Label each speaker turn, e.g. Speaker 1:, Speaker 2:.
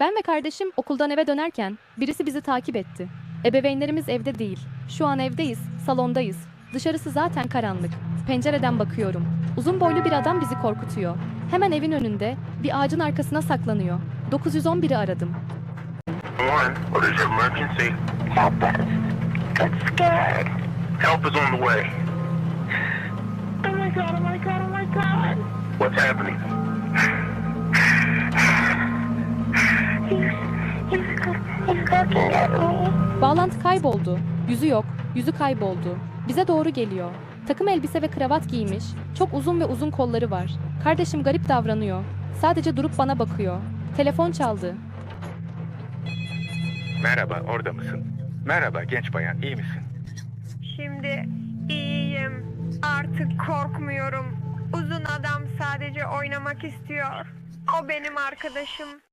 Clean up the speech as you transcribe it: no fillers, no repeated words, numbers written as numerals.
Speaker 1: Ben ve kardeşim okuldan eve dönerken birisi bizi takip etti. Ebeveynlerimiz evde değil. Şu an evdeyiz, salondayız. Dışarısı zaten karanlık. Pencereden bakıyorum. Uzun boylu bir adam bizi korkutuyor. Hemen evin önünde, bir ağacın arkasına saklanıyor. 911'i aradım.
Speaker 2: One, what is your emergency?
Speaker 3: Help us. Got scared.
Speaker 2: Help is on the way.
Speaker 3: Oh my god, oh my god, oh my god.
Speaker 2: What's happening?
Speaker 3: He's looking at me.
Speaker 1: Bağlantı kayboldu. Yüzü yok, yüzü kayboldu. Bize doğru geliyor. Takım elbise ve kravat giymiş, çok uzun ve uzun kolları var. Kardeşim garip davranıyor. Sadece durup bana bakıyor. Telefon çaldı.
Speaker 4: Merhaba, orada mısın? Merhaba genç bayan, iyi misin?
Speaker 5: Şimdi iyiyim. Artık korkmuyorum. Uzun adam sadece oynamak istiyor. O benim arkadaşım.